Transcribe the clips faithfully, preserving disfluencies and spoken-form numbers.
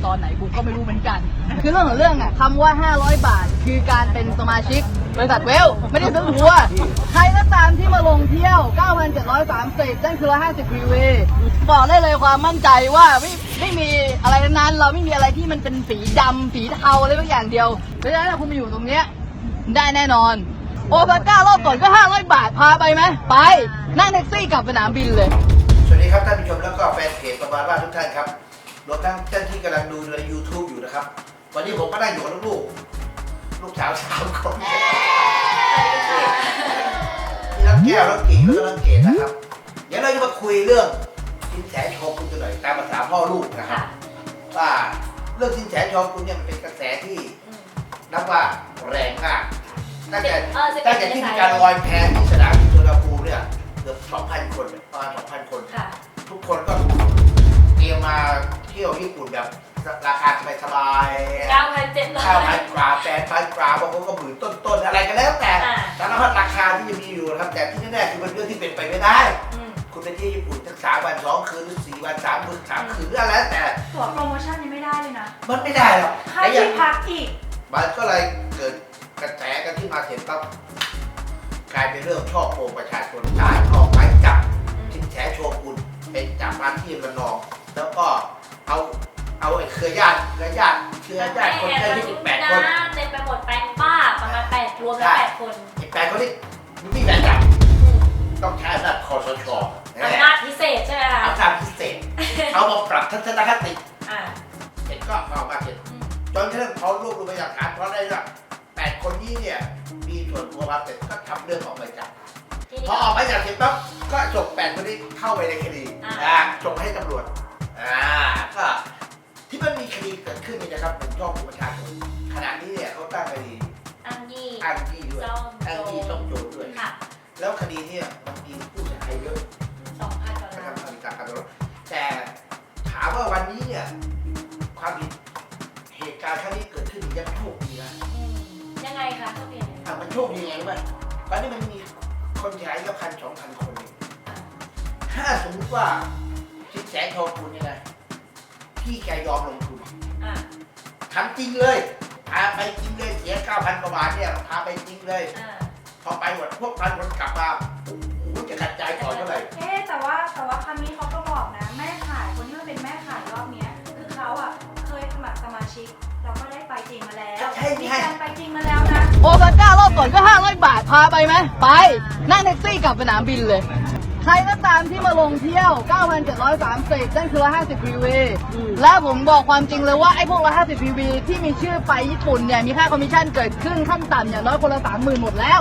ตอนไหนกูก็ไม่รู้เหมือนกันคือเรื่องของเรื่องอ่ะคำว่าห้าร้อยบาทคือการเป็นสมาชิกบริษัทเวลไม่ได้ซื้อหัวใครก็ตามที่มาลงเที่ยว เก้าพันเจ็ดร้อยสามสิบ นั่นคือห้าสิบ พี วี บอกได้เลยความมั่นใจว่าไม่ไม่มีอะไรนั้นเราไม่มีอะไรที่มันเป็นสีดำสีเทาอะไรบางอย่างเดียวเพราะฉะนั้นถ้าคุณมาอยู่ตรงเนี้ยได้แน่นอนโอซาก้ารอบก่อนก็ห้าร้อยบาทพาไปไหมไปนั่งแท็กซี่กลับสนามบินเลยสวัสดีครับท่านผู้ชมแล้วก็แฟนเพจประมาณว่าทุกท่านครับรวมทั้งท่านที่กำลังดูใน ยูทูบ อยู่นะครับวันนี้ผมก็ได้อยู่กับลูกๆลูกสาวสามคนมีน้องแก้วน้องกิ่งแล้วก็น้องเกดนะครับเดี๋ยวเราจะมาคุยเรื่องสินแสโชกุนกันหน่อยตามภาษาพ่อลูกนะครับว่าเรื่องสินแสโชกุนเนี่ยมันเป็นกระแสที่นับว่าแรงมากตั้งแต่ตั้งแต่ที่มีการลอยแพที่สนามบินสุวรรณภูมิเนี่ยเกือบ สองพัน คนประมาณ สองพัน คนทุกคนก็เตรียมมาเที่ยวญี่ปุ่นแบบราคาสบายๆเก้าพันเจ็ดร้อยเก้าพัน กว่า แปดพัน กว่าบางคนก็หมื่นต้นๆอะไรกันแล้วแต่สารพัดราคาที่จะมีอยู่นะครับแต่ที่แน่ๆคือเป็นเรื่องที่เป็นไปไม่ได้คุณไปที่ญี่ปุ่นทั้งสามวันสองคืนหรือสี่วันสามคืนสามคืนหรืออะไรแล้วแต่ตั๋วโปรโมชั่นยังไม่ได้เลยนะมันไม่ได้หรอกค่าที่พักอีกมันก็เลยเกิดกระแสกันที่มาเสร็จปั๊บกลายเป็นเรื่องช่อโกงประชาชนศาลออกหมายจับสินแสโชกุนเป็นจับมาที่ระนองแล้วก็เอาเอาไอ้เครือญาติเครือญาติเครือญาติคนแค่ที่สิบแปดคนเต็มไปหมดแปดป้าประมาณแปดรวมแล้วแปดคนไอ้แปดคนนี้มันไม่แบ่งจับต้องใช้อำนาจคสช. อำนาจพิเศษใช่ไหมคะอำนาจพิเศษเอามาปรับทัศนคติเสร็จก็เอามาเสร็จจนกระทั่งเขารวบรวมพยานหลักฐานเพราะได้ว่าแปดคนนี้เนี่ยมีส่วนผัวพันเสร็จก็ทำเรื่องออกหมายจับพอออกหมายจับเสร็จปั๊บก็ส่งแปดคนนี้เข้าไปในคดีส่งให้ตำรวจอ่าก็ที่มันมีคดีเกิดขึ้นนี่นะครับผมชอบประชาชนขณะนี้เนี่ยเขาตั้งคดีอ้างยี่อ้างยี่ด้วยอ้างยี่ต้องโจรด้วยแล้วคดีเนี่ยมันมีผู้เสียหายเยอะสองพันกว่าล้านแต่ถามว่าวันนี้เนี่ยความผิดเหตุการณ์ครั้งนี้เกิดขึ้นยังโชคดีนะยังไงคะโชคดีอ่ะมันโชคดีไงรู้ไหมตอนนี้มันมีคนเสียหายก็พันสองพันคนเองถ้าสมมติว่าสินแสโชกุนเนี่ยนะพี่แกยอมลงทุนทำจริงเลยพาไปจริงเลยเสียเก้าพันกว่าบาทเนี่ยพาไปจริงเลยพอไปหมดพวกพันคนกลับมาโอ้โหจะกระจายต่อเท่าไหร่เอ๊แต่ว่าแต่ว่าคำนี้เขาก็บอกนะแม่ขายคนที่มาเป็นแม่ขายรอบนี้คือเขาอ่ะเคยสมัครสมาชิกเราก็ได้ไปจริงมาแล้วมีการไปจริงมาแล้วนะโอซาก้ารอบก่อนก็ห้าร้อยบาทพาไปไหมไปนั่งแท็กซี่กลับสนามบินเลยใครก็ตามที่มาลงเที่ยว เก้าพันเจ็ดร้อยสามสิบ นั่นคือห้าสิบ พี วี และผมบอกความจริงเลยว่าไอ้พวกห้าสิบ พี วี ที่มีชื่อไปญี่ปุ่นเนี่ยมีค่าคอมมิชชั่นเกิดขึ้นขั้นต่ำอย่างน้อยคนละ สามหมื่น หมดแล้ว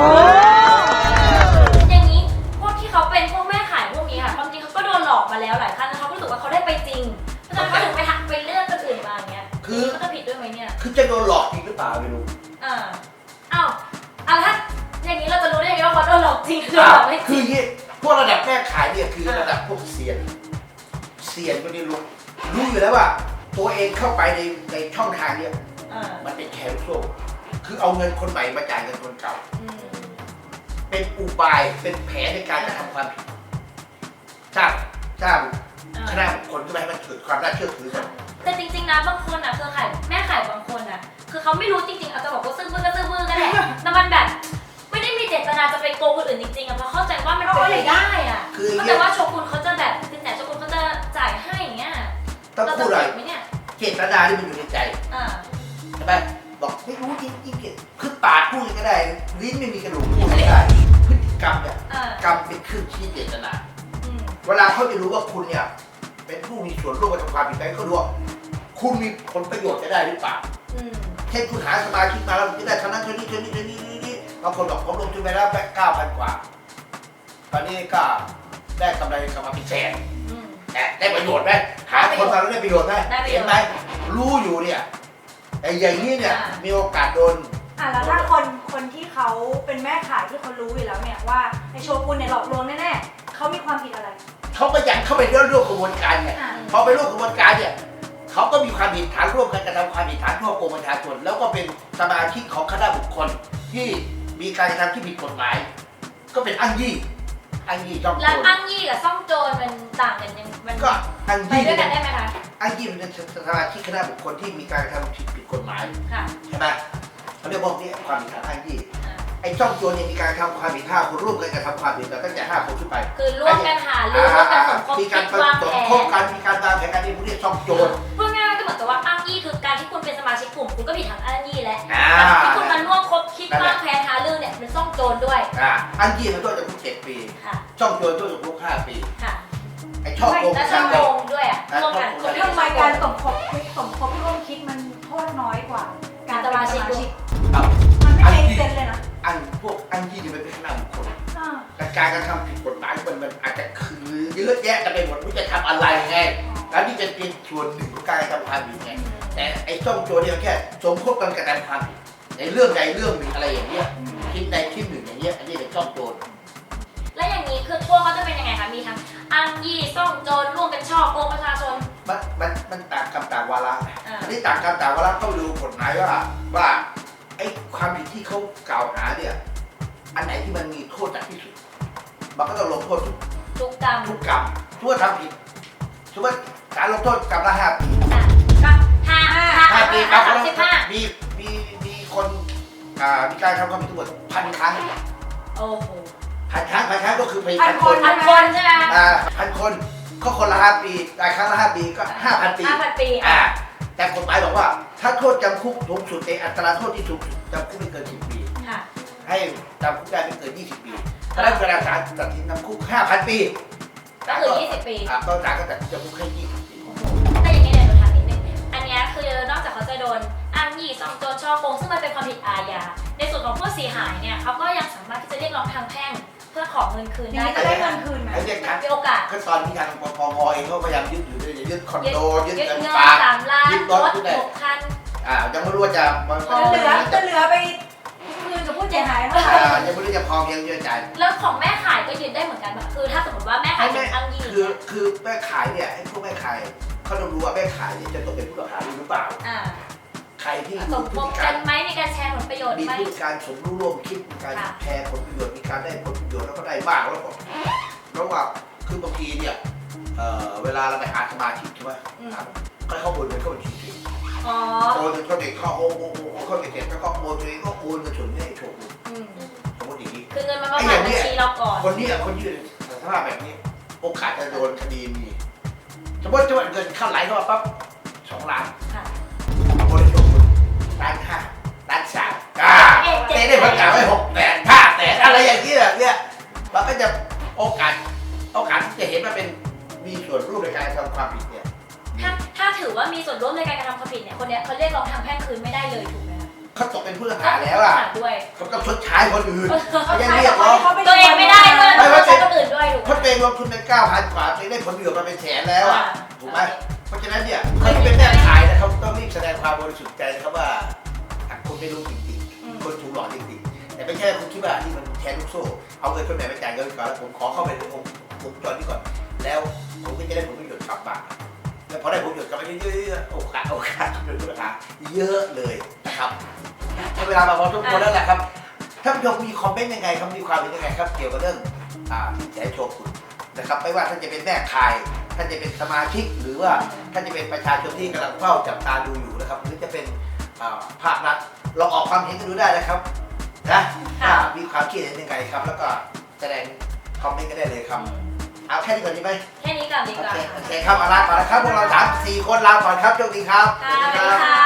อย่างนี้พวกที่เขาเป็นพวกแม่ขายพวกนี้ค่ะความจริงเขาก็โดนหลอกมาแล้วหลายครั้งแล้วเขาก็รู้สึกว่าเขาได้ไปจริงเพราะฉะนั้นเขาถึงไปหักไปเลือกคนอื่นมาอย่างเงี้ยคือเขาจะผิดด้วยไหมเนี่ยคือจะโดนหลอกจริงหรือเปล่าไม่รู้อ่าอ้าวอ่ะถ้าอย่างนี้เราจะรู้ได้ยังไงว่าเขาโดนหลอกจริงหรือเปล่าไม่จริงพวกระดับแม่ขายเนี่ยคือระดับพวกเซียนเซียนก็ได้รู้รู้อยู่แล้วว่าตัวเองเข้าไปในในช่องทางเนี่ยมันเป็นแคร์โซ่คือเอาเงินคนใหม่มาจ่ายเงินคนเก่าเป็นอุบายเป็นแผนในการจะทำความผิดจ้างจ้างคณะบุคคลที่ไม่ให้มันเกิดความน่าเชื่อถือกันแต่จริงๆนะบางคนอ่ะเครือข่ายแม่ขายบางคนอ่ะคือเขาไม่รู้จริงๆอาจจะบอกว่าซื้อมือก็ซื้อมือกันแหละแต่มันแบบไม่ได้มีเจตนาจะไปโกงคนอื่นจริงๆอะเพราะเข้าใจว่ามันเป็นไปได้อะเข้าใจว่าโชกุนเขาจะแบบสินแสโชกุนเขาจะจ่ายให้อย่างเงี้ยต้องพูดอะไรเจตนาที่มันอยู่ในใจใช่ไหมบอกไม่รู้จริงๆคือปากพูดก็ได้ลิ้นไม่มีกระดูกพูดไม่ได้พฤติกรรมเนี่ยกรรมเป็นเครื่องชี้เจตนาเวลาเขาจะรู้ว่าคุณเนี่ยเป็นผู้มีส่วนร่วมกับความผิดนั้นเขาดูว่าคุณมีผลประโยชน์จะได้หรือเปล่าเช่นคุณหาสมาชิกมาแล้วจะได้เท่านั้นเท่านี้เท่านี้เท่านี้บางคนบอกผมลงทุนไปแล้วแบงค์เก้าพันกว่าตอนนี้ก็ได้กำไรกลับมาเป็นแสนแต่ได้ประโยชน์ไหมหาคนมาแล้วได้ประโยชน์ไหมเห็นไหมรู้อยู่เนี่ยไอ้อย่างนี้เนี่ยมีโอกาสโดนอ่ะแล้วถ้าคนคนที่เขาเป็นแม่ขายที่เขารู้อยู่แล้วเนี่ยว่าไอ้โชกุนเนี่ยหลอกลวงแน่ๆเขามีความผิดอะไรเขาก็ยังเข้าไปเรื่องร่วมกระบวนการไงพอไปร่วมกระบวนการเนี่ยเขาก็มีความผิดฐานร่วมกันกระทำความผิดฐานช่อโกงประชาชนแล้วก็เป็นสมาชิกของคณะบุคคลที่มีการกระทำที่ผิดกฎหมายก็เป็นอ้างยี่อ้างยี่ซ่องโจรแล้วอ้างยี่กับซ่องโจรมันต่างกันยังมันก็อ้างยี่ด้วยกันได้ไหมคะอ้างยี่มันเป็นสมาชิกคณะบุคคลที่มีการกระทำผิดผิดกฎหมายค่ะใช่ไหมเขาเรียกพวกนี้ความผิดฐานอ้างยี่ไอ้ช่องโจรยังมีการทำความผิดห้าคนร่วมกันกระทำความผิดแต่ตั้งแต่ห้าคนขึ้นไปคือร่วมกันหารือร่วมกันสมคบมีคิการดวางสแผมคบนกันมีการวางแผนการที่พวกนี้ช่องโจรพูดง่ายๆก็เหมือนกับว่าอ้างยี่คือการที่คุณเป็นสมาชิกกลุ่มคุณก็ผิดทางอ้างยี่แล้วอ่าที่คุณมาร่วมคบคิดวางแผนหารือเนี่ยเป็นซ่องโจรด้วยอ่าอ้างยี่มันโทษจำคุกเจ็ดปีค่ะช่องโจรโทษจำคุกห้าปีค่ะไอ้ช่องโกงและช่องโกงด้วยอ่ะร่วมกันทำไมการสมคบคิดสมคบร่วมคิดมันโทษน้อยกว่า การเป็นสมาชิกเอามันไม่เป็นเซนเลยนะอันพวกอ้างยี่นี่มันเป็นคณะบุคคลอ่าแต่การกระทำผิดกฎหมายมันมันอาจจะคือเยอะแยะกันไปหมดว่าจะทำอะไรไงแล้วนี่เป็นเพียงส่วนหนึ่งของการกระทำความผิดไงแต่ไอ้ช่องโจรเนี่ยมันแค่สมคบกันกระทำความผิดในเรื่องใดเรื่องหนึ่งอะไรอย่างเงี้ยคิดใดคิดหนึ่งอย่างเงี้ยอันนี้เป็นช่องโจรและอย่างนี้คือโทษเขาจะเป็นยังไงคะมีทั้งอ้างยี่ซ่องโจรร่วมกันช่อโกงประชาชนมันมันมันต่างกรรมต่างวาระอ่าอันนี้ต่างกรรมต่างวาระต้องดูกฎหมายว่าว่าไอ้ความผิดที่เขากล่าวหาเนี่ยอันไหนที่มันมีโทษหนักที่สุดมันก็ต้องลงโทษทุกทุกกรรมทุกกรรมทั่วทำผิดสมมติการลงโทษกรรมละห้าปีอ่ะก็ห้าห้าห้าปีครับสามสิบห้ามีมีมีคนอ่ามีการทำความผิดทั้งหมดพันครั้งโอ้โหพันครั้งพันครั้งก็คือไปพัพันนคคน นพันคนใช่ไหมคะอ่าพันคนก็คนละห้าปีรายครั้งละห้าปีก็ห้าพันปีห้าพันปีอ่าอ่ะแต่กฎหมายบอกว่าถ้าโทษจำคุกสูงสุดในอัตราโทษที่สูงสุดจำคุกไม่เกินสิบปีค่ะให้จำคุกได้ไม่เกินยี่สิบปีถ้าได้เวลาศาลตัดสินจำคุกห้าพันปีก็คือยี่สิบปีอ่าก็ศาลก็ตัดสินจำคุกแค่ยี่สิบปีแต่อย่างนี้เนี่ยหนูถามนิดนึงอันเนี้ยคือนอกจากเขาจะโดนอ้างยี่ซ่องโจรช่อโกงซึ่งมันเป็นความผิดอาญาในส่วนของผู้เสียหายเนี่ยเขาก็ยังสามารถที่จะเรียกร้องทางแพ่งเพื่อขอเงินคืนอย่างได้นี้จะได้เงินคืนไหมไอ้เนี่ยครับมีโอกาสก็ตอนที่ทางปปงเองเขาพยายามยึดอยู่ด้วยยึดคอนโดยึดยึดเงินเงินฝากสามล้านยึดรรถถยึดอะไรหกคันอ่ายังไม่รู้ว่าจะมันจะเหลือจะเหลือไปคืนกับผู้เสียหายเท่าไหร่อ่ายังไม่รู้จะพอเพียงเยอะใจแล้วของแม่ขายก็ยืนได้เหมือนกันปะคือถ้าสมมติว่าแม่ขายเป็นอ้างยี่คือคือแม่ขายเนี่ยไอ้พวกแม่ขายเขาต้องรู้ว่าแม่ขายเนี่ยจะตกเป็นผู้ต้องหาหรือเปล่าอ่าใครที่สมีมพฤคบติกากัรนไหมมีการแชร์ผลประโยชน์มีไหมพฤติการสมรู้ร่วมคิดมีการค่ะแชร์ผลประโยชน์มีการได้ผลประโยชน์แล้วก็ได้มากแล้วก็แล้วว่าคือบางทีเนี่ยเอ่อเวลาเราไปหาสมาชิกใช่ไหมครับก็เขาโอนเงินเข้าบัญชีตัวเองอ๋อโอนเงินเข้าเด็กเขาโอนโอนโอนเข้าเด็กแล้วก็โอนตัวเองก็โอนเงินส่วนนี้ให้โชว์อืมสมมติอย่างนี้คือเงินมันมาผ่านบัญชีเราก่อนคนนี้อะคนยืนสภาพแบบนี้ โอกาสจะโดนคดีมีสมมติจะเงินเข้าไหลเข้ามาปั๊บสองล้านค่ะโอนให้โชว์ล้านห้าล้านสามอ่าเต้ได้ประกาศไว้หกแสนห้าแสนอะไรอย่างนี้แบบเนี้ยมันก็จะโอกาสโอกาสที่จะเห็นว่าเป็นมีส่วนร่วมในการทำความผิดเนี่ยถ้าถ้าถือว่ามีส่วนร่วมในการกระทำความผิดเนี่ยคนเนี้ยเขาเรียกร้องทางแพ่งคืนไม่ได้เลยถูกไหมคะเขาตกเป็นผู้ต้องหาแล้วอ่ะด้วยเขาต้องชดใช้คนอื่นเขาเขายังใช้เรียกับกคนร้องที่เขาไปตัวเองไม่ได้ด้วยไม่ต้องว่าใช้คนอื่นด้วยถูกไหมเขาตัวเองลงทุนไปเก้าพันกว่าตัวเองได้ผลประโยชน์มาเป็นแสนแล้วอ่ะถูกไหมเพราะฉะนั้นเนี่ยคนที่เป็นแม่ขายนะครับต้องรีบแสดงความบริสุทธิ์ใจนะครับว่าคุณไม่รู้จริงๆคนถูกหลอกจริงๆแต่ไม่ใช่คุณคิดว่านี่มันแชร์ลูกโซ่เอาเงินคนไหนไปจ่ายเงินก่อนแล้วผมขอเข้าไปในวงวงจรนี้ก่อนแล้วผมก็จะได้ผลประโยชน์กลับมาแล้วพอได้ผลประโยชน์กลับมาเยอะๆโอกาสโอกาสเป็นผู้ต้องหาเยอะเลยนะครับเวลามาพอทุกคนแล้วแหละครับท่านผู้ชมมีคอมเมนต์ยังไงครับมีความเห็นยังไงครับเกี่ยวกับเรื่องอ่าที่จะให้โชว์คุณนะครับไม่ว่าท่านจะเป็นแม่ขายท่านจะเป็นสมาชิกหรือว่าท่านจะเป็นประชาชนที่กำลังเฝ้าจับตาดูอยู่นะครับหรือจะเป็นอ่าภาครัฐลองออกความเห็นกันดูได้นะครับนะถ้ามีความคิดเห็นยังไงครับ แล้วก็แสดงคอมเมนต์กันได้เลยครับเอาแค่นี้ก่อนดีไหมแค่นี้ก่อนดีโอกว่าเคโอเคครับเอาลาก่อนนะครับพวกเราสามสี่คนลาก่อนครับโชคดีครับค่ะสวัสดีค่ะ